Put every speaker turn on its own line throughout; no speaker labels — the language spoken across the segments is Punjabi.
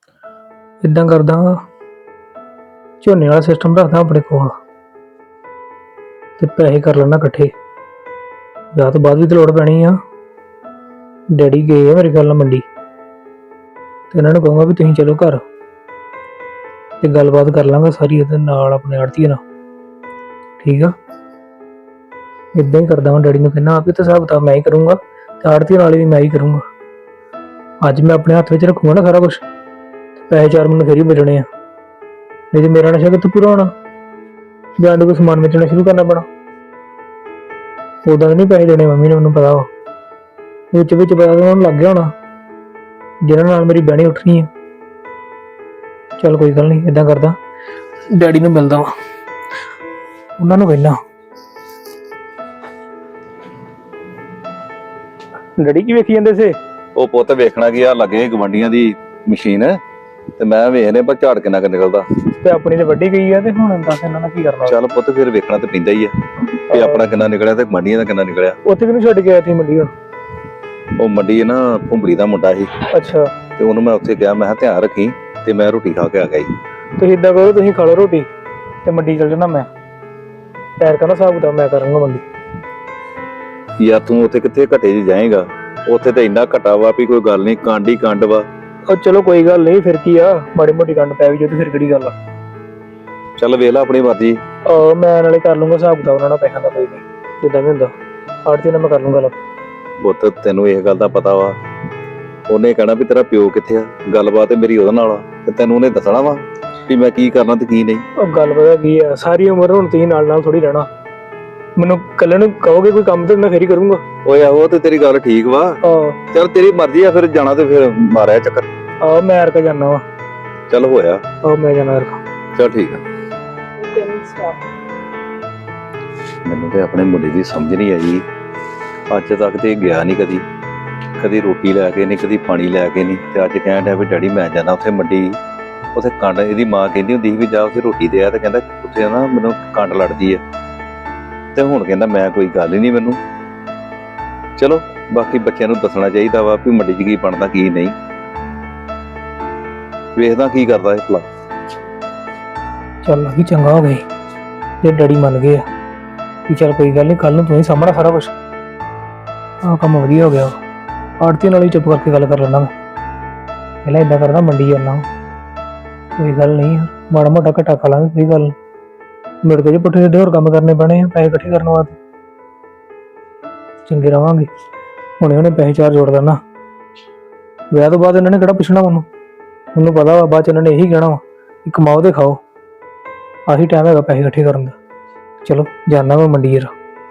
इदां करदा झोने वाला सिस्टम रखदा अपने कोल ते पैसे कर लैना कट्ठे। विआह तो बाद भी तो लोड़ पैनी आ। डैडी गए आ मेरे गल मंडी ते इन्हां नूं कहूंगा भी तुसीं चलो घर ते गलबात कर लांगा सारी इहदे नाल अपने आड़तीए नाल। ठीक आ, इदां ही करदा मैं डैडी नूं कहना आप तो हिसाब किताब मैं ही करूँगा ते आड़तीए नाल भी मैं ही करूँगा। अज मैं अपने हत्थ विच रखूँगा ना सारा कुछ, पैसे 4 मैनूं फिर ही बचने आ, नहीं तो मेरा नशा कित्थों पूरा होना, जां तो कोई समान बेचना शुरू करना पैना। उदां नहीं पैसे देने मम्मी ने, मैनूं पता वा विच विच पता तो उन्हां नूं लग गया होना जिन्हां नाल मेरी बहनी उठनी है। चल कोई गल नहीं, इदां करदा डैडी नूं मिलदा वा, उन्हां नूं कहना डैडी की वेखी जांदे से।
ਉਹ ਪੁੱਤ ਵੇਖਣਾ ਕੀ ਆ, ਲੱਗੇ ਗਵੰਡੀਆਂ ਦੀ ਮਸ਼ੀਨ ਤੇ ਮੈਂ ਵੇਖਨੇ ਪਰ ਝਾੜ ਕਿੰਨਾ ਕੁ ਨਿਕਲਦਾ।
ਤੇ ਆਪਣੀ ਤੇ ਵੱਡੀ ਗਈ ਆ ਤੇ ਹੁਣ ਦੱਸ ਇਹਨਾਂ ਨਾਲ ਕੀ ਕਰਨਾ।
ਚੱਲ ਪੁੱਤ ਫਿਰ ਵੇਖਣਾ ਤੇ ਪੈਂਦਾ ਹੀ ਆ ਕਿ ਆਪਣਾ ਕਿੰਨਾ ਨਿਕਲਿਆ ਤੇ ਗਵੰਡੀਆਂ ਦਾ ਕਿੰਨਾ ਨਿਕਲਿਆ।
ਉੱਥੇ ਕਿਹਨੂੰ ਛੱਡ ਕੇ ਆਇਆ ਸੀ ਮੰਡੀ? ਹੁਣ
ਉਹ ਮੰਡੀ ਨਾ ਭੁੰਬੜੀ ਦਾ ਮੁੰਡਾ ਸੀ।
ਅੱਛਾ,
ਤੇ ਉਹਨੂੰ ਮੈਂ ਉੱਥੇ ਗਿਆ, ਮੈਂ ਕਿਹਾ ਧਿਆਨ ਰੱਖੀ ਤੇ ਮੈਂ ਰੋਟੀ ਖਾ ਕੇ ਆ ਗਿਆ ਜੀ।
ਤੁਸੀਂ ਇਦਾਂ ਕਰੋ, ਤੁਸੀਂ ਖਾ ਲਓ ਰੋਟੀ ਤੇ ਮੰਡੀ ਚੱਲ ਜਾਣਾ। ਮੈਂ ਪੈਰ ਕਹਿੰਦਾ ਹਿਸਾਬ ਕਿਤਾਬ ਮੈਂ ਕਰਾਂਗਾ ਮੰਡੀ।
ਯਾਰ ਤੂੰ ਉੱਥੇ ਕਿੱਥੇ ਘਟੇ ਜੀ ਜਾਏਗਾ, ਉੱਥੇ ਤਾਂ ਇੰਨਾ ਘਟਾ ਵਾ ਵੀ ਕੋਈ ਗੱਲ ਨਹੀਂ, ਕਾਂਡੀ ਕੰਡ ਵਾ।
ਉਹ ਚਲੋ ਕੋਈ ਗੱਲ ਨਹੀਂ, ਫਿਰ ਕੀ ਆ, ਮਾੜੀ ਮੋਟੀ ਕੰਡ ਪੈ ਵੀ ਜੇ ਤੇ ਫਿਰ ਕਿਹੜੀ ਗੱਲ ਆ।
ਚੱਲ ਵੇਖ ਲੈ ਆਪਣੀ ਮਰਜ਼ੀ।
ਮੈਂ ਨਾਲੇ ਕਰ ਲੂੰਗਾ ਹਿਸਾਬ ਕਿਤਾਬ ਉਹਨਾਂ ਨਾਲ ਪੈਸਿਆਂ ਦਾ, ਕੋਈ ਨਹੀਂ ਜਿੱਦਾਂ ਵੀ ਹੁੰਦਾ ਆੜਤੀ ਨਾਲ ਮੈਂ ਕਰ ਲੂੰਗਾ।
ਪੁੱਤ ਤੈਨੂੰ ਇਹ ਗੱਲ ਦਾ ਪਤਾ ਵਾ, ਉਹਨੇ ਕਹਿਣਾ ਵੀ ਤੇਰਾ ਪਿਓ ਕਿੱਥੇ ਆ, ਗੱਲਬਾਤ ਮੇਰੀ ਉਹਦੇ ਨਾਲ ਆ ਤੇ ਤੈਨੂੰ ਉਹਨੇ ਦੱਸਣਾ ਵਾ ਵੀ ਮੈਂ ਕੀ ਕਰਨਾ ਤੇ ਕੀ ਨਹੀਂ।
ਉਹ ਗੱਲ ਪਤਾ ਕੀ ਆ, ਸਾਰੀ ਉਮਰ ਹੁਣ ਤੁਸੀਂ ਨਾਲ ਨਾਲ ਥੋੜੀ ਰਹਿਣਾ। ਮੈਨੂੰ ਕੱਲੇ ਨੂੰ ਕਹੋਗੇ ਕੋਈ ਕੰਮ ਤੇ ਮੈਂ ਫੇਰ ਹੀ ਕਰੂੰਗਾ।
ਓਏ ਆਹੋ ਤੇ ਤੇਰੀ ਗੱਲ ਠੀਕ ਵਾ। ਚੱਲ ਤੇਰੀ ਮਰਜ਼ੀ ਆ, ਫਿਰ ਜਾਣਾ ਤੇ ਫਿਰ ਮਾਰਿਆ ਚੱਕਰ।
ਮੈਂ ਅਰਕਾ ਜਾਣਾ ਵਾ।
ਚੱਲ ਹੋਇਆ।
ਮੈਂ ਜਾਣਾ ਅਰਕਾ।
ਚੱਲ ਠੀਕ ਆ। ਮੈਨੂੰ ਤੇ ਆਪਣੇ ਮੁੰਡੇ ਦੀ ਸਮਝ ਨਹੀਂ ਆਈ, ਅੱਜ ਤੱਕ ਤੇ ਗਿਆ ਨਹੀਂ ਕਦੀ, ਕਦੀ ਰੋਟੀ ਲੈ ਕੇ ਨਹੀਂ, ਕਦੀ ਪਾਣੀ ਲੈ ਕੇ ਨਹੀਂ, ਤੇ ਅੱਜ ਕਹਿਣ ਡਿਆ ਵੀ ਡੈਡੀ ਮੈਂ ਜਾਣਾ ਉੱਥੇ ਮੰਡੀ। ਉੱਥੇ ਕੰਡ, ਇਹਦੀ ਮਾਂ ਕਹਿੰਦੀ ਹੁੰਦੀ ਸੀ ਵੀ ਜਾ ਉੱਥੇ ਰੋਟੀ ਦੇ ਆ, ਤੇ ਕਹਿੰਦਾ ਉੱਥੇ ਨਾ ਮੈਨੂੰ ਕੰਡ ਲੜਦੀ ਆ, ਤੇ ਹੁਣ ਕਹਿੰਦਾ ਮੈਂ ਕੋਈ ਗੱਲ ਹੀ ਨਹੀਂ ਮੈਨੂੰ। ਚਲੋ ਬਾਕੀ ਬੱਚਿਆਂ ਨੂੰ ਦੱਸਣਾ ਚਾਹੀਦਾ ਵਾ ਵੀ ਮੰਡੀ 'ਚ ਕੀ ਬਣਦਾ ਕੀ ਨਹੀਂ, ਵੇਖਦਾ ਕੀ ਕਰਦਾ ਇਹ ਭਲਾ।
ਚੱਲ ਵੀ ਚੰਗਾ ਹੋ ਗਈ ਜੇ ਡੈਡੀ ਮੰਨ ਗਏ ਆ ਵੀ ਚੱਲ ਕੋਈ ਗੱਲ ਨਹੀਂ, ਕੱਲ ਨੂੰ ਤੂੰ ਹੀ ਸਾਹਮਣਾ ਸਾਰਾ ਕੁਛ। ਕੰਮ ਵਧੀਆ ਹੋ ਗਿਆ। ਆੜਤੀ ਨਾਲ ਵੀ ਚੁੱਪ ਕਰਕੇ ਗੱਲ ਕਰ ਲੈਣਾ ਮੈਂ, ਪਹਿਲਾਂ ਏਦਾਂ ਕਰਦਾ ਮੰਡੀ ਜਾਣਾ, ਕੋਈ ਗੱਲ ਨਹੀਂ, ਮਾੜਾ ਮੋਟਾ ਘਟਾ ਖਾ ਲਾਂਗੇ, ਕੋਈ ਗੱਲ ਮੁੜ ਕੇ ਜੇ ਪੁੱਠੇ ਸਿੱਧੇ ਹੋਰ ਕੰਮ ਕਰਨੇ ਪੈਣੇ ਆ ਪੈਸੇ ਇਕੱਠੇ ਕਰਨ ਵਾਸਤੇ, ਚੰਗੇ ਰਵਾਂਗੇ। ਹੁਣੇ ਹੁਣੇ ਪੈਸੇ 4 ਜੋੜ ਲੈਣਾ, ਵਿਆਹ ਤੋਂ ਬਾਅਦ ਇਹਨਾਂ ਨੇ ਕਿਹੜਾ ਪੁੱਛਣਾ ਮੈਨੂੰ ਪਤਾ ਵਾ, ਬਾਅਦ ਚ ਇਹਨਾਂ ਨੇ ਇਹੀ ਕਹਿਣਾ ਵਾ ਕਿ ਕਮਾਓ ਤੇ ਖਾਓ। ਆਹੀ ਟਾਈਮ ਹੈਗਾ ਪੈਸੇ ਇਕੱਠੇ ਕਰਨ ਦਾ। ਚਲੋ ਜਾਣਾ ਵਾ ਮੰਡੀ ਯਾਰ।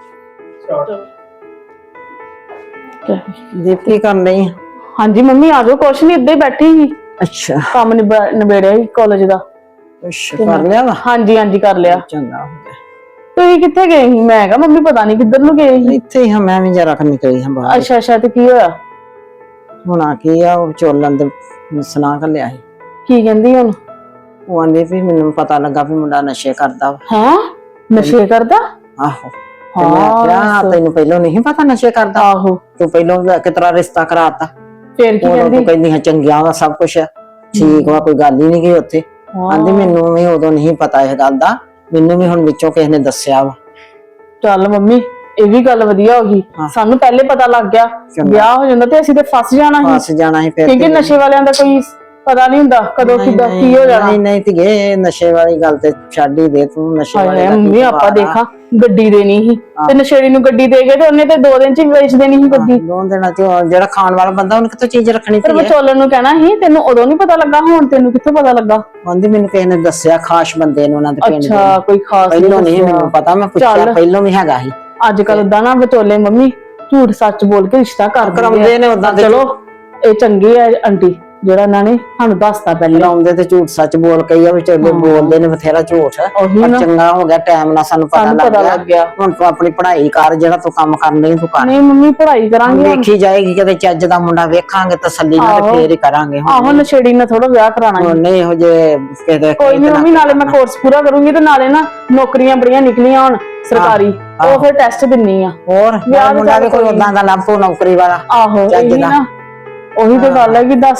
ਕੀ ਕਰਨ ਰਹੀ?
ਹਾਂਜੀ ਮੰਮੀ ਆ ਜਾਓ, ਕੁਛ ਨਹੀਂ, ਇੱਦਾਂ ਹੀ ਬੈਠੀ ਸੀ।
ਅੱਛਾ,
ਕੰਮ ਨਿਬੇੜਿਆ ਸੀ ਕਾਲਜ ਦਾ।
ਅੱਛਾ ਕਰ ਲਿਆ ਵਾ?
ਹਾਂਜੀ ਹਾਂਜੀ ਕਰ ਲਿਆ।
ਚੰਗਾ ਹੋ ਗਿਆ।
ਤੁਸੀਂ ਕਿੱਥੇ ਗਏ ਸੀ? ਮੈਂ ਕਿਹਾ ਮੰਮੀ ਪਤਾ ਨਹੀਂ ਕਿੱਧਰ ਨੂੰ ਗਏ ਸੀ।
ਇੱਥੇ ਹੀ ਹਾਂ, ਮੈਂ ਵੀ ਜਰਾ ਨਿਕਲੀ ਹਾਂ ਬਾਹਰ।
ਅੱਛਾ ਅੱਛਾ, ਤੇ ਕੀ ਹੋਇਆ?
ਹੁਣ ਕੀ ਆ, ਉਹ ਵਿਚੋਲਣ ਦੇ ਸੁਣਾ ਘੱਲਿਆ ਸੀ।
ਕੀ ਕਹਿੰਦੀ ਹੁਣ?
ਉਹ ਆਂਦੀ ਵੀ ਮੈਨੂੰ ਪਤਾ ਲੱਗਾ ਵੀ ਮੁੰਡਾ ਨਸ਼ੇ ਕਰਦਾ ਵਾ।
ਹਾਂ ਨਸ਼ੇ ਕਰਦਾ?
ਆਹੋ। ਤੇ ਮੈਂ ਕਿਹਾ ਤੈਨੂੰ ਪਹਿਲਾਂ ਨਹੀਂ ਪਤਾ ਨਸ਼ੇ ਕਰਦਾ?
ਆਹੋ।
ਤੂੰ ਪਹਿਲਾਂ ਕਿਤਰਾ ਰਿਸ਼ਤਾ ਕਰਾਤਾ?
ਫੇਰ ਕੀ
ਉਹ
ਕਹਿੰਦੀ?
ਕਹਿੰਦੀ ਹਾਂ ਚੰਗਿਆ ਵਾ ਸਭ ਕੁਛ, ਠੀਕ ਵਾ, ਕੋਈ ਗੱਲ ਹੀ ਨਹੀਂ ਗਈ ਉੱਥੇ। ਆਂਦੀ ਮੈਨੂੰ ਵੀ ਉਦੋਂ ਨਹੀਂ ਪਤਾ ਇਹ ਗੱਲ ਦਾ, ਮੈਨੂੰ ਵੀ ਹੁਣ ਵਿੱਚੋਂ ਕਿਸੇ ਨੇ ਦੱਸਿਆ ਵਾ।
ਚੱਲ ਮੰਮੀ ਇਹ ਵੀ ਗੱਲ ਵਧੀਆ ਹੋ ਗਈ, ਸਾਨੂੰ ਪਹਿਲੇ ਪਤਾ ਲੱਗ ਗਿਆ, ਵਿਆਹ ਹੋ ਜਾਂਦਾ ਤੇ ਅਸੀਂ ਤੇ ਫਸ ਜਾਣਾ ਸੀ, ਕਿਉਂਕਿ ਨਸ਼ੇ ਵਾਲਿਆਂ ਦਾ ਕੋਈ ਪਤਾ ਨਹੀਂ ਹੁੰਦਾ ਕਦੋਂ ਕਿੱਦਾਂ ਕੀ ਹੋ ਜਾਣਾ।
ਨਹੀਂ ਧੀਏ, ਨਸ਼ੇ ਵਾਲੀ ਗੱਲ ਤੇ ਛੱਡ ਹੀ ਦੇ ਤੂੰ। ਨਸ਼ੇ ਵਾਲੀ
ਮੰਮੀ ਆਪਾਂ ਦੇਖਾਂ ਗੱਡੀ ਦੇਣੀ ਸੀ ਤੇ ਨਸ਼ੇੜੀ ਨੂੰ ਗੱਡੀ ਦੇ ਗਏ ਤੇ ਉਹਨੇ ਤੇ 2 ਦਿਨ ਚ ਵੇਚ ਦੇਣੀ ਸੀ ਗੱਡੀ।
2 ਦਿਨਾਂ ਚ ਜਿਹੜਾ ਖਾਣ ਵਾਲਾ ਬੰਦਾ ਉਹਨੇ ਕਿੱਥੋਂ ਚੀਜ਼ ਰੱਖਣੀ?
ਪਰ ਵਿਚੋਲਣ ਨੂੰ ਕਹਿਣਾ ਸੀ, ਤੈਨੂੰ ਉਦੋਂ ਨਹੀਂ ਪਤਾ ਲੱਗਾ, ਹੁਣ ਤੈਨੂੰ ਕਿੱਥੋਂ ਪਤਾ ਲੱਗਾ?
ਕਹਿੰਦੀ ਮੈਨੂੰ ਕਿਸੇ ਨੇ ਦੱਸਿਆ, ਖਾਸ ਬੰਦੇ ਨੇ ਉਹਨਾਂ ਦੇ ਪਿੰਡ ਦੇ।
ਅੱਛਾ, ਕੋਈ ਖਾਸ
ਪਹਿਲਾਂ ਨਹੀਂ ਮੈਨੂੰ ਪਤਾ, ਮੈਂ ਪੁੱਛਿਆ ਪਹਿਲਾਂ ਵੀ ਹੈਗਾ ਸੀ।
ਅੱਜ ਕੱਲ ਦਾ ਨਾ ਵਿਚੋਲੇ ਮੰਮੀ ਝੂਠ ਸੱਚ ਬੋਲ ਕੇ ਰਿਸ਼ਤਾ ਕਰਾਉਂਦੇ ਨੇ ਉਦਾਂ। ਚਲੋ ਇਹ ਚੰਗੀ ਹੈ ਆਂਟੀ ਜਿਹੜਾ ਇਹਨਾਂ ਨੇ ਸਾਨੂੰ ਦੱਸਤਾ ਪਹਿਲਾਂ।
ਲਾਉਂਦੇ ਤੇ ਝੂਠ ਸੱਚ ਬੋਲ ਕੇ ਹੀ ਆ, ਵਿਚੋਲੇ ਬੋਲਦੇ ਨੇ ਬਥੇਰਾ ਝੂਠ। ਚੰਗਾ ਹੋ ਗਿਆ ਟਾਈਮ ਨਾਲ ਸਾਨੂੰ ਪਤਾ ਲੱਗ ਗਿਆ। ਹੁਣ ਤੂੰ ਆਪਣੀ ਪੜ੍ਹਾਈ ਕਰ, ਜਿਹੜਾ ਤੂੰ ਕੰਮ ਕਰਨ ਲਈ ਤੂੰ ਕਰ।
ਨਹੀਂ ਮੰਮੀ ਪੜ੍ਹਾਈ ਕਰਾਂਗੇ,
ਵੇਖੀ ਜਾਏਗੀ, ਕਦੇ ਚੱਜ ਦਾ ਮੁੰਡਾ ਵੇਖਾਂਗੇ ਤਸੱਲੀ ਨਾਲ ਤੇ ਫੇਰ ਹੀ ਕਰਾਂਗੇ।
ਆਹੋ ਨਸ਼ੇੜੀ ਨਾਲ ਥੋੜਾ ਵਿਆਹ ਕਰਾਣਾ
ਨਹੀਂ ਇਹੋ ਜਿਹੇ ਕਿਤੇ।
ਕੋਈ ਨਹੀਂ ਮੰਮੀ, ਨਾਲੇ ਮੈਂ ਕੋਰਸ ਪੂਰਾ ਕਰੂੰਗੀ ਤੇ ਨਾਲੇ ਨਾ ਨੌਕਰੀਆਂ ਬੜੀਆਂ ਨਿਕਲੀਆਂ ਹੁਣ ਸਰਕਾਰੀ, ਉਹ ਫਿਰ ਟੈਸਟ ਦਿੰਨੀ ਆ।
ਹੋਰ ਮੁੰਡਾ ਵੀ ਕੋਈ ਉਦਾਂ ਦਾ ਲੱਭ ਪੋ ਨੌਕਰੀ ਵਾਲਾ।
ਆਹੋ ਇਹੀ ਨਾ, ਉਹੀ ਤੇ ਗੱਲ ਹੈ ਕਿ ਦੱਸ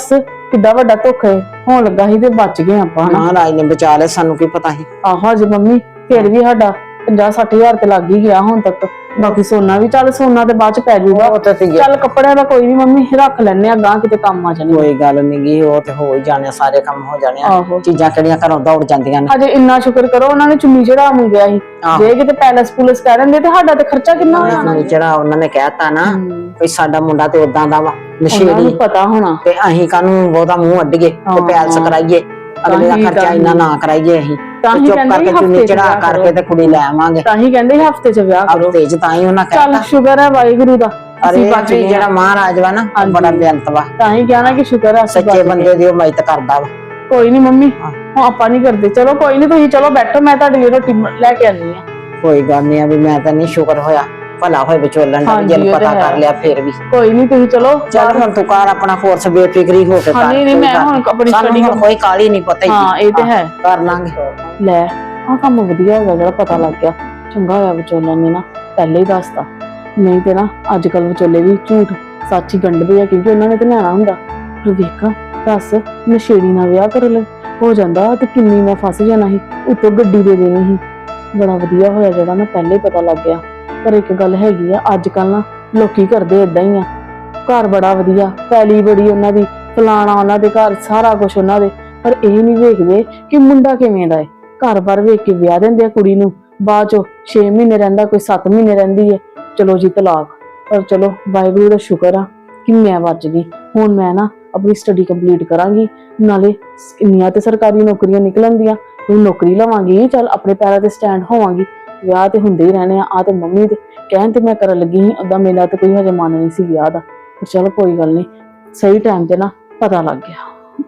ਕਿੱਡਾ ਵੱਡਾ ਧੋਖਾ ਹੋਣ ਲੱਗਾ ਸੀ ਤੇ ਬਚ ਗਏ ਆਪਾਂ ਹਨਾ।
ਮਹਾਰਾਜ ਨੇ ਬਚਾ ਲਿਆ, ਸਾਨੂੰ ਕੀ ਪਤਾ ਸੀ।
ਆਹੋ ਜੀ ਮੰਮੀ, ਫਿਰ ਵੀ ਸਾਡਾ 50-60 ਹਜ਼ਾਰ ਤੇ ਲੱਗ ਹੀ ਗਿਆ ਹੁਣ ਤੱਕ। ਬਾਕੀ ਸੋਨਾ ਵੀ, ਚੱਲ ਸੋਨਾ ਤੇ ਬਾਅਦ ਚ ਪੈ ਜਾਊਗਾ।
ਉਹ ਤਾਂ ਸੀਗਾ।
ਚੱਲ ਕੱਪੜਿਆਂ ਦਾ ਕੋਈ ਨਹੀਂ ਮੰਮੀ, ਰੱਖ ਲੈਣੇ ਆ, ਗਾਂ ਕਿਤੇ ਕੰਮ ਆ ਜਾਣੇ।
ਕੋਈ ਗੱਲ ਨੀ ਗੀ, ਉਹ ਤੇ ਹੋ ਹੀ ਜਾਣੇ, ਸਾਰੇ ਕੰਮ ਹੋ ਜਾਣੇ ਆ।
ਆਹੋ।
ਚੀਜ਼ਾਂ ਕਿਹੜੀਆਂ ਘਰੋਂ ਦੌੜ ਜਾਂਦੀਆਂ ਨੇ।
ਅਜੇ ਇੰਨਾ ਸ਼ੁਕਰ ਕਰੋ ਉਹਨਾਂ ਨੇ ਚੁੰਨੀ ਚੜਾ ਮੰਗਿਆ ਸੀ।
ਆਹੋ।
ਜੇ ਕਿਤੇ ਪੈਲਸ ਪੁਲਿਸ ਕਹਿ ਦਿੰਦੇ ਤੇ ਸਾਡਾ ਤੇ ਖਰਚਾ ਕਿੰਨਾ ਹੋ ਜਾਣਾ।
ਜਿਹੜਾ ਉਹਨਾਂ ਨੇ ਕਹਿਤਾ ਨਾ ਵੀ ਸਾਡਾ ਮੁੰਡਾ ਤੇ ਉਦਾਂ ਦਾ ਵਾ,
ਉਹਨਾਂ
ਨਸ਼ੇੜੀ,
ਨੂੰ ਪਤਾ ਹੋਣਾ।
ਤੇ ਅਸੀਂ ਕਾਹਨੂੰ ਉਹਦਾ ਮੂੰਹ ਅੱਡੀਏ ਤੇ ਪੈਲਸ ਕਰਾਈਏ, ਅਗਲੇ ਦਾ ਖਰਚਾ ਇੰਨਾ ਨਾ ਕਰਾਈਏ। ਅਸੀਂ
ਤਾਂ ਹੀ
ਚੁੱਪ
ਕਹਿੰਦੇ
ਕਰਕੇ ਚੁੰਨੀ ਚੜਾ ਕਰਕੇ ਤੇ ਕੁੜੀ ਲੈ ਆਵਾਂਗੇ।
ਤਾਂ ਹੀ ਕਹਿੰਦੇ ਹਫਤੇ ਚ ਵਿਆਹ ਕਰੋ।
ਹਫ਼ਤੇ ਚ ਤਾਂ ਹੀ ਉਹਨਾਂ
ਚੱਲ
ਕਹਿਤਾ।
ਸ਼ੁਕਰ ਹੈ ਵਾਹਿਗੁਰੂ ਦਾ,
ਅਰੇ
ਅਸੀਂ ਬਚ ਗਏ।
ਜਿਹੜਾ ਮਹਾਰਾਜ ਵਾ ਨਾ, ਉਹ ਬੜਾ ਬੇਅੰਤ ਵਾ।
ਤਾਂ ਹੀ ਕਹਿਣਾ ਕਿ ਸ਼ੁਕਰ ਹੈ ਅਸੀਂ
ਸੱਚੇ
ਬਚ ਗਏ।
ਬੰਦੇ ਦੀ ਉਹ ਮਦਦ ਕਰਦਾ ਵਾ।
ਕੋਈ ਨਹੀਂ ਮੰਮੀ, ਹੁਣ ਆਪਾਂ ਨਹੀਂ ਕਰਦੇ। ਚਲੋ ਕੋਈ ਨਹੀਂ, ਤੁਸੀਂ ਚਲੋ ਬੈਠੋ, ਮੈਂ ਤੁਹਾਡੇ ਲਈ ਰੋਟੀ ਲੈ ਕੇ ਆਨੀ ਆ।
ਕੋਈ ਗੱਲ ਨੀ ਆ ਵੀ ਮੈਂ ਤਾਂ ਨਹੀਂ, ਸ਼ੁਕਰ ਹੋਇਆ ਭਲਾ ਹੋਏ ਵਿਚੋਲਣ ਦਾ,
ਹਾਂਜੀ,
ਜਿਹਨੂੰ
ਉਹ
ਪਤਾ
ਤਾਂ
ਕਰ
ਹੈ।
ਲਿਆ ਫੇਰ ਵੀ।
ਕੋਈ ਨਹੀਂ, ਤੁਸੀਂ ਚਲੋ।
ਚੱਲ ਹੁਣ ਤੂੰ ਕਰ ਆਪਣਾ ਕੋਰਸ ਬੇਫਿਕਰੀ ਹੋ ਕੇ ਕਰ।
ਹਾਂ, ਨਹੀਂ, ਮੈਂ ਹੁਣ ਆਪਣੀ
ਸਾਨੂੰ
study
ਹੁਣ ਕੋਈ ਕਾਹਲੀ ਨਹੀਂ, ਪਤਾ ਹੀ
ਹਾਂ, ਇਹ ਤੇ ਹੈ।
ਕਰ ਲਾਂਗੇ।
ਲੈ, ਆਹ ਕੰਮ ਵਧੀਆ ਹੋ ਗਿਆ ਜਿਹੜਾ ਪਤਾ ਲੱਗ ਗਿਆ। ਚੰਗਾ ਹੋਇਆ ਵਿਚੋਲਣ ਨੇ ਨਾ ਪਹਿਲੇ ਹੀ ਦੱਸਤਾ, ਨਹੀਂ ਤੇ ਨਾ ਅੱਜ ਕੱਲ ਵਿਚੋਲੇ ਵੀ ਝੂਠ ਸੱਚ ਹੀ ਗੰਢਦੇ ਆ, ਕਿਉਂਕਿ ਉਹਨਾਂ ਨੇ ਤੇ ਲੈਣਾ ਹੁੰਦਾ। ਪਰ ਵੇਖਾਂ, ਦੱਸ, ਨਸ਼ੇੜੀ ਨਾਲ ਵਿਆਹ ਕਰ ਹੋ ਜਾਂਦਾ ਤੇ ਕਿੰਨੀ ਮੈਂ ਫਸ ਜਾਣਾ ਸੀ, ਉੱਤੋਂ ਗੱਡੀ ਦੇ ਦੇਣੀ ਸੀ। ਬੜਾ ਵਧੀਆ ਹੋਇਆ ਜਿਹੜਾ ਨਾ ਪਹਿਲੇ ਹੀ ਪਤਾ ਲੱਗ ਗਿਆ। ਪਰ ਇੱਕ ਗੱਲ ਹੈਗੀ ਆ, ਅੱਜ ਕੱਲ ਨਾ ਲੋਕੀ ਕਰਦੇ ਏਦਾਂ ਹੀ ਆ। ਘਰ ਬੜਾ ਵਧੀਆ, ਪੈਲੀ ਬੜੀ ਉਹਨਾਂ ਦੀ, ਫਲਾਣਾ ਉਹਨਾਂ ਦੇ ਘਰ, ਸਾਰਾ ਕੁਝ ਉਹਨਾਂ ਦੇ, ਪਰ ਇਹ ਨਹੀਂ ਵੇਖਦੇ ਕਿ ਮੁੰਡਾ ਕਿਵੇਂ ਦਾ ਹੈ। ਘਰ-ਬਾਰ ਵੇਖ ਕੇ ਵਿਆਹ ਦਿੰਦੇ ਆ ਕੁੜੀ ਨੂੰ, ਬਾਅਦ ਚੋਂ 6 ਮਹੀਨੇ ਰਹਿੰਦਾ, ਕੋਈ 7 ਮਹੀਨੇ ਰਹਿੰਦੀ ਹੈ, ਚਲੋ ਜੀ ਤਲਾਕ। ਪਰ ਚਲੋ ਵਾਹਿਗੁਰੂ ਦਾ ਸ਼ੁਕਰ ਆ ਕਿ ਮੈਂ ਬਚ ਗਈ। ਹੁਣ ਮੈਂ ਨਾ ਆਪਣੀ ਸਟੱਡੀ ਕੰਪਲੀਟ ਕਰਾਂਗੀ, ਨਾਲੇ ਇੰਨੀਆਂ ਤੇ ਸਰਕਾਰੀ ਨੌਕਰੀਆਂ ਨਿਕਲਣ ਦੀਆਂ, ਕੋਈ ਨੌਕਰੀ ਲਵਾਂਗੀ, ਚੱਲ ਆਪਣੇ ਪੈਰਾਂ ਤੇ ਸਟੈਂਡ ਹੋਵਾਂਗੀ। ਵਿਆਹ ਤੇ ਹੁੰਦੇ ਹੀ ਰਹਿਣੇ ਆ ਤੇ ਮੰਮੀ ਦੇ ਕਹਿਣ ਤੇ ਮੈਂ ਕਰਨ ਲੱਗੀ ਸੀ, ਓਦਾਂ ਮੇਰਾ ਤੇ ਕੋਈ ਹਜੇ ਮਨ ਨਹੀਂ ਸੀ ਵਿਆਹ ਦਾ। ਪਰ ਚਲੋ ਕੋਈ ਗੱਲ ਨਹੀਂ, ਸਹੀ ਟਾਈਮ ਤੇ ਨਾ ਪਤਾ ਲੱਗ ਗਿਆ।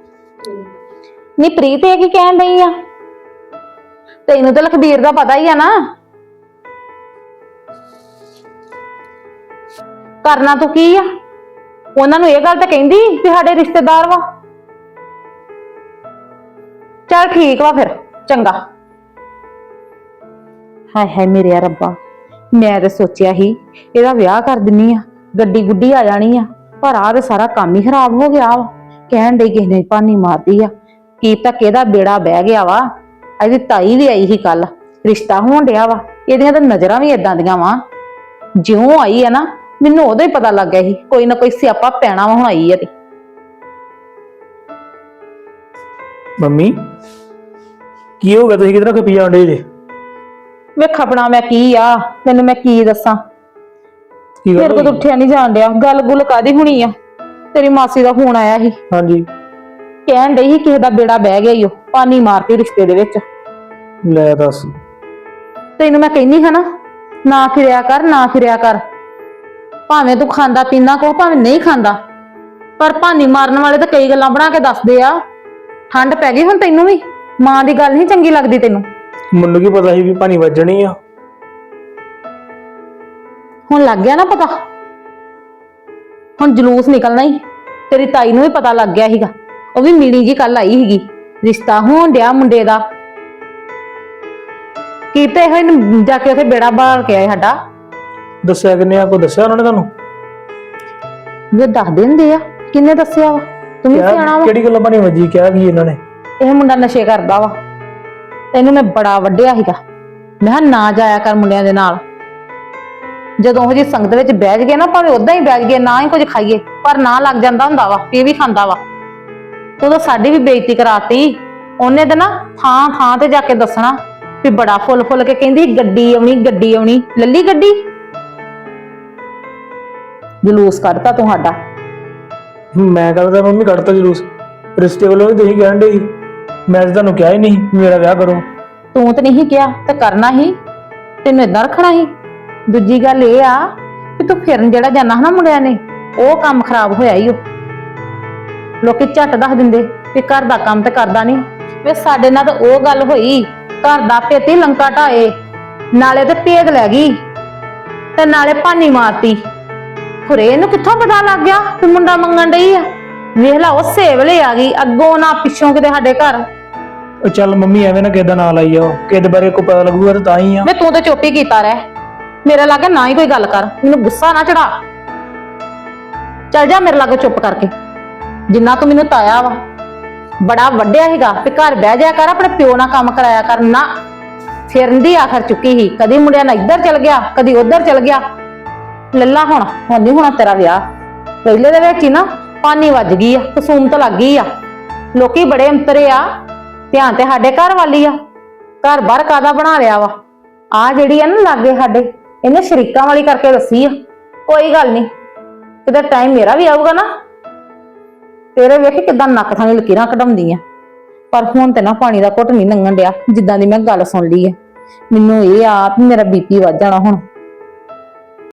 ਨੀ ਪ੍ਰੀਤ, ਇਹ ਕੀ ਕਹਿਣ ਡਈ ਆ? ਤੈਨੂੰ ਤਾਂ ਲਖਬੀਰ ਦਾ ਪਤਾ ਹੀ ਆ ਨਾ। ਕਰਨਾ ਤੂੰ ਕੀ ਆ? ਉਹਨਾਂ ਨੂੰ ਇਹ ਗੱਲ ਤਾਂ ਕਹਿੰਦੀ ਵੀ ਸਾਡੇ ਰਿਸ਼ਤੇਦਾਰ ਵਾ। ਚੱਲ ਠੀਕ ਵਾ ਫਿਰ, ਚੰਗਾ। ਹਾਏ ਹਾਏ ਮੇਰੇ ਰੱਬਾ, ਮੈਂ ਤੇ ਸੋਚਿਆ ਸੀ ਇਹਦਾ ਵਿਆਹ ਕਰ ਦਿੰਨੀ ਆ, ਗੱਡੀ ਗੁੱਡੀ ਆ ਜਾਣੀ ਆ, ਪਰ ਆਹ ਤੇ ਸਾਰਾ ਕੰਮ ਹੀ ਖਰਾਬ ਹੋ ਗਿਆ ਵਾ। ਕਹਿਣ ਡਈ ਕਿਸੇ ਨੇ ਭਾਨੀ ਮਾਰਦੀ ਆ, ਕੀ ਤਾਂ ਕਿਹਦਾ ਬੇੜਾ ਬਹਿ ਗਿਆ ਵਾ। ਇਹਦੀ ਤਾਈ ਵੀ ਆਈ ਸੀ ਕੱਲ, ਰਿਸ਼ਤਾ ਹੋਣ ਡਿਆ ਵਾ। ਇਹਦੀਆਂ ਤਾਂ ਨਜ਼ਰਾਂ ਵੀ ਏਦਾਂ ਦੀਆਂ ਵਾ, ਜਿਉਂ ਆਈ ਆ ਨਾ ਮੈਨੂੰ ਉਦੋਂ ਹੀ ਪਤਾ ਲੱਗ ਗਿਆ ਸੀ ਕੋਈ ਨਾ ਕੋਈ ਸਿਆਪਾ ਪੈਣਾ ਵਾ, ਹੁਣ ਆਈ ਆ ਤੇ।
ਮੰਮੀ ਕੀ ਹੋ ਗਿਆ, ਤੁਸੀਂ ਕਿਧਰ ਖਪੀ ਜਾਂਦੇ ਜੇ?
ਵੇਖ ਆਪਣਾ ਮੈਂ ਕੀ ਆ, ਤੈਨੂੰ ਮੈਂ ਕੀ ਦੱਸਾਂ।
ਕੀ
ਮੇਰੇ
ਗੱਲ
ਕੋਲ ਤਾਂ
ਹੋਈ?
ਉੱਠਿਆ ਨਹੀਂ ਜਾਣ ਡਿਆ। ਗੱਲ ਗੁੱਲ ਕਾਦੀ ਹੋਣੀ ਆ? ਤੇਰੀ ਮਾਸੀ ਦਾ ਫੋਨ ਆਇਆ ਸੀ,
ਹਾਂਜੀ।
ਕਹਿਣ ਡਈ ਸੀ ਕਿਸੇ ਦਾ ਬੇੜਾ ਬਹਿ ਗਿਆ ਈ, ਉਹ ਪਾਣੀ ਮਾਰਤੀ ਰਿਸ਼ਤੇ ਦੇ ਵਿੱਚ।
ਲੈ ਦੱਸ।
ਤੈਨੂੰ ਮੈਂ ਕਹਿੰਦੀ ਹਾਂ ਨਾ ਫਿਰਿਆ ਕਰ, ਨਾ ਫਿਰਿਆ ਕਰ। ਭਾਵੇਂ ਤੂੰ ਖਾਂਦਾ ਪੀਂਦਾ ਕੋ, ਭਾਵੇਂ ਨਹੀਂ ਖਾਂਦਾ, ਪਰ ਭਾਨੀ ਮਾਰਨ ਵਾਲੇ ਤਾਂ ਕਈ ਗੱਲਾਂ ਬਣਾ ਕੇ ਦੱਸਦੇ ਆ। ਠੰਡ ਪੈ ਗਈ ਹੁਣ ਤੈਨੂੰ ਵੀ, ਮਾਂ ਦੀ ਗੱਲ ਨਹੀਂ ਚੰਗੀ ਲੱਗਦੀ ਤੈਨੂੰ?
ਮੈਨੂੰ ਕੀ ਪਤਾ ਸੀ ਵੀ ਪਾਣੀ ਵੱਜਣੀ ਆ।
ਹੁਣ ਲੱਗ ਗਿਆ ਨਾ ਪਤਾ, ਹੁਣ ਜਲੂਸ ਨਿਕਲਣਾ ਹੀ। ਤੇਰੀ ਤਾਈ ਨੂੰ ਵੀ ਪਤਾ ਲੱਗ ਗਿਆ ਸੀਗਾ, ਉਹ ਵੀ ਮੀਣੀ ਜੀ ਕੱਲ ਆਈ ਸੀਗੀ, ਰਿਸ਼ਤਾ ਹੋਣ ਡਿਆ ਮੁੰਡੇ ਦਾ। ਕੀਤੇ ਹੋਏ ਨੂੰ ਜਾ ਕੇ ਉੱਥੇ ਬੇੜਾ ਬਾਲ ਕੇ ਆਏ ਸਾਡਾ।
ਦੱਸਿਆ ਕਿੰਨੇ ਆ? ਕੋਈ ਦੱਸਿਆ ਉਹਨਾਂ ਨੇ ਤੁਹਾਨੂੰ?
ਵੀ ਦੱਸ ਦਿੰਦੇ ਆ, ਕਿੰਨੇ ਦੱਸਿਆ ਵਾ? ਤੂੰ ਵੀ ਸਿਆਣਾ ਵਾ।
ਕਿਹੜੀ ਗੱਲੋਂ ਪਾਣੀ ਵੱਜੀ? ਕਿਹਾ ਕੀ ਇਹਨਾਂ ਨੇ?
ਇਹ ਮੁੰਡਾ ਨਸ਼ੇ ਕਰਦਾ ਵਾ, ਤੈਨੂੰ ਮੈਂ ਬੜਾ ਵੱਢਿਆ ਸੀਗਾ, ਮੈਂ ਕਿਹਾ ਨਾ ਜਾਇਆ ਕਰ ਮੁੰਡਿਆਂ ਦੇ ਨਾਲ। ਜਦੋਂ ਉਹ ਜੀ ਸੰਗਤ ਵਿੱਚ ਬੈਠ ਗਏ ਨਾ, ਭਾਵੇਂ ਉਦਾਂ ਹੀ ਬੈਠ ਗਏ, ਨਾ ਹੀ ਕੁਝ ਖਾਈਏ, ਪਰ ਨਾ ਲੱਗ ਜਾਂਦਾ ਹੁੰਦਾ ਵਾ, ਇਹ ਵੀ ਖਾਂਦਾ ਵਾ। ਤੂੰ ਤਾਂ ਸਾਡੀ ਵੀ ਬੇਇੱਜ਼ਤੀ ਕਰਾਤੀ। ਉਹਨੇ ਤਾਂ ਨਾ ਥਾਂ ਥਾਂ ਤੇ ਜਾ ਕੇ ਦੱਸਣਾ ਵੀ ਬੜਾ ਫੁੱਲ ਫੁੱਲ ਕੇ ਕਹਿੰਦੀ ਗੱਡੀ ਆਉਣੀ, ਗੱਡੀ ਆਉਣੀ। ਲੱਲੀ ਗੱਡੀ, ਜਲੂਸ ਕੱਢਤਾ ਤੁਹਾਡਾ।
ਮੈਂ ਕਹਿੰਦਾ ਮੰਮੀ ਕੱਢਤਾ ਜਲੂਸ, ਰਿਸ਼ਤੇ ਵੱਲੋਂ ਵੀ ਤੁਸੀਂ ਕਹਿਣ ਦੇ ਸੀ। ਮੈਂ ਤਾਂ ਤੁਹਾਨੂੰ ਕਿਹਾ ਹੀ ਨਹੀਂ ਮੇਰਾ ਵਿਆਹ ਕਰੋ।
ਤੂੰ ਤਾਂ ਨਹੀਂ ਕਿਹਾ ਤੇ ਕਰਨਾ ਹੀ, ਤੈਨੂੰ ਏਦਾਂ ਰੱਖਣਾ ਹੀ। ਦੂਜੀ ਗੱਲ ਇਹ ਆ ਕਿ ਤੂੰ ਫਿਰਨ ਜਿਹੜਾ ਜਾਣਾ ਹੈ ਨਾ ਮੁੰਡਿਆਂ ਨੇ, ਉਹ ਕੰਮ ਖਰਾਬ ਹੋਇਆ ਹੀ। ਉਹ ਲੋਕੀ ਝੱਟ ਦੱਸ ਦਿੰਦੇ ਵੀ ਘਰ ਦਾ ਕੰਮ ਤੇ ਕਰਦਾ ਨਹੀਂ। ਵੇ ਸਾਡੇ ਨਾਲ ਤਾਂ ਉਹ ਗੱਲ ਹੋਈ, ਘਰ ਦਾ ਭੇਤੀ ਲੰਕਾ ਢਾਏ, ਨਾਲੇ ਤੇ ਭੇਦ ਲੈ ਗਈ ਤੇ ਨਾਲੇ ਭਾਨੀ ਮਾਰਤੀ। ਖੁਰੇ ਇਹਨੂੰ ਕਿੱਥੋਂ ਪਤਾ ਲੱਗ ਗਿਆ ਕਿ ਮੁੰਡਾ ਮੰਗਣ ਡਈ ਆ? ਵੇਖ ਲਾ, ਉਸੇ ਵੇਲੇ ਆ ਗਈ, ਅੱਗੋਂ ਨਾ ਪਿੱਛੋਂ ਕਿਤੇ ਸਾਡੇ ਘਰ।
ਉਹ ਚੱਲ ਮੰਮੀ ਐਵੇਂ ਨਾ ਕਿਹਦਾ ਨਾਂ ਲਾਈ ਜਾਓ, ਕਿਹਦੇ ਬਾਰੇ ਕੋਈ ਪਤਾ ਲੱਗੂਗਾ ਤਾਂ ਹੀ ਆ।
ਵੇ ਤੂੰ ਤੇ ਚੁੱਪ ਹੀ ਕੀਤਾ ਰਹਿ, ਮੇਰੇ ਲਾਗੇ ਨਾ ਹੀ ਕੋਈ ਗੱਲ ਕਰ, ਮੈਨੂੰ ਗੁੱਸਾ ਨਾ ਚੜਾ। ਚੱਲ ਜਾ ਮੇਰੇ ਲਾਗੇ ਚੁੱਪ ਕਰਕੇ। ਜਿੰਨਾ ਤੂੰ ਮੈਨੂੰ ਤਾਇਆ ਵਾ ਬੜਾ ਵੱਡਿਆ ਸੀਗਾ ਤੇ ਘਰ ਬਹਿ ਜਾ ਕਰ, ਆਪਣੇ ਪਿਓ ਨਾਲ ਕੰਮ ਕਰਾਇਆ ਕਰ। ਨਾ, ਫਿਰਨ ਦੀ ਆਖਰ ਚੁੱਕੀ ਸੀ, ਕਦੀ ਮੁੰਡਿਆਂ ਨਾਲ ਇੱਧਰ ਚਲ ਗਿਆ, ਕਦੀ ਉੱਧਰ ਚਲ ਗਿਆ। ਲੱਲਾ ਹੁਣ ਨਹੀਂ ਹੋਣਾ ਤੇਰਾ ਵਿਆਹ। ਪਹਿਲੇ ਦੇ ਵਿੱਚ ਹੀ ਨਾ ਪਾਣੀ ਵੱਜ ਗਈ ਆ, ਕਸੂਮਤ ਲੱਗ ਗਈ ਆ। ਲੋਕੀ ਬੜੇ ਅੰਤਰੇ ਆ, ਧਿਆਨ ਤੇ ਸਾਡੇ ਘਰ ਵਾਲੀ ਆ। ਘਰ ਬਾਹਰ ਕਾਦਾ ਬਣਾ ਲਿਆ ਵਾ। ਆ ਜਿਹੜੀ ਆ ਨਾ ਲਾਗੇ ਸਾਡੇ, ਇਹਨੇ ਸ਼ਰੀਕਾਂ ਵਾਲੀ ਕਰਕੇ ਦੱਸੀ ਆ। ਕੋਈ ਗੱਲ ਨਹੀਂ, ਕਿਤੇ ਟਾਈਮ ਮੇਰਾ ਵੀ ਆਊਗਾ ਨਾ, ਤੇਰੇ ਵੇਖ ਕਿਦਾਂ ਨੱਕ ਥਾਣੀ ਲਕੀਰਾਂ ਕਢਾਉਂਦੀ ਆ। ਪਰ ਹੁਣ ਤੇ ਨਾ ਪਾਣੀ ਦਾ ਘੁੱਟ ਨਹੀਂ ਲੰਘਣ ਡਿਆ, ਜਿੱਦਾਂ ਦੀ ਮੈਂ ਗੱਲ ਸੁਣ ਲਈ ਆ। ਮੈਨੂੰ ਇਹ ਆ ਵੀ ਮੇਰਾ ਬੀਪੀ ਵੱਧ ਜਾਣਾ ਹੁਣ।